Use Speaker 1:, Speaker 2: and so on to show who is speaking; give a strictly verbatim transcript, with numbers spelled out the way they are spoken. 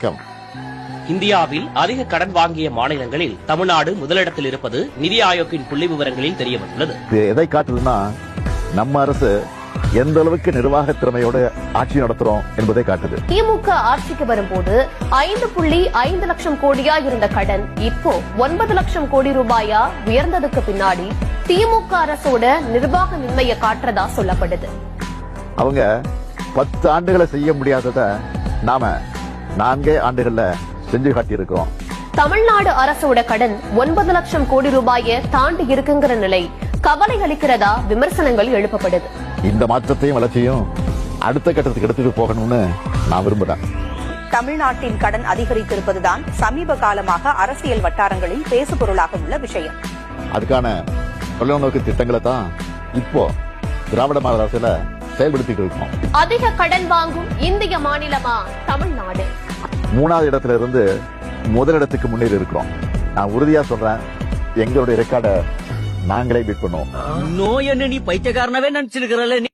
Speaker 1: வணக்கம்.
Speaker 2: இந்தியாவில் அதிக கடன் வாங்கிய மாநிலங்களில் தமிழ்நாடு முதலிடத்தில் இருப்பது நிதி ஆயோக்கின் புள்ளி விவரங்களில் தெரியவந்துள்ளது.
Speaker 1: எதை காட்டுதுன்னா நம்ம அரசு எந்த அளவுக்கு நிர்வாக திறமையோட ஆட்சி நடத்துறோம் என்பதை காட்டுது.
Speaker 3: திமுக ஆட்சிக்கு வரும்போது ஐந்து புள்ளி ஐந்து லட்சம் கோடியா இருந்த கடன் இப்போ ஒன்பது லட்சம் கோடி ரூபாயா உயர்ந்ததுக்கு பின்னாடி திமுக அரசோட நிர்வாகமின்மையை காட்டுறதா சொல்லப்படுது.
Speaker 1: அவங்க பத்து ஆண்டுகளை செய்ய முடியாதத நாம நான்கே ஆண்டுகள்ல செஞ்சு காட்டியிருக்கோம்.
Speaker 3: தமிழ்நாடு அரசோட கடன் ஒன்பது லட்சம் கோடி ரூபாயை தாண்டி இருக்குங்கிற நிலை கவலை அளிக்கிறதா விமர்சனங்கள் எழுப்பப்படுது.
Speaker 1: இந்த மாற்றத்தையும் வளர்ச்சியும் அடுத்த கட்டத்துக்கு எடுத்துட்டு போகணும்னு நான் விரும்புறேன்.
Speaker 4: தமிழ்நாட்டின் கடன் அதிகரித்திருப்பதுதான் சமீப காலமாக அரசியல் வட்டாரங்களில் பேசுபொருளாக உள்ள விஷயம்.
Speaker 1: அதுக்கான தொலைநோக்கு திட்டங்களை தான் இப்போ திராவிட மாடல் அரசுல செயல்படுத்திட்டு இருக்கோம்.
Speaker 3: அதிக கடன் வாங்கும் இந்திய மாநிலமா தமிழ்நாடு?
Speaker 1: மூணாவது இடத்துல இருந்து முதலிடத்துக்கு முன்னேறி இருக்கிறோம். நான் உறுதியா சொல்றேன், எங்களுடைய ரெக்கார்டை நாங்களே பீட் பண்ணுவோம்.
Speaker 5: நோய் என்ன நீ பைத்தியக்காரனவே நினைச்சிருக்கிறல்ல.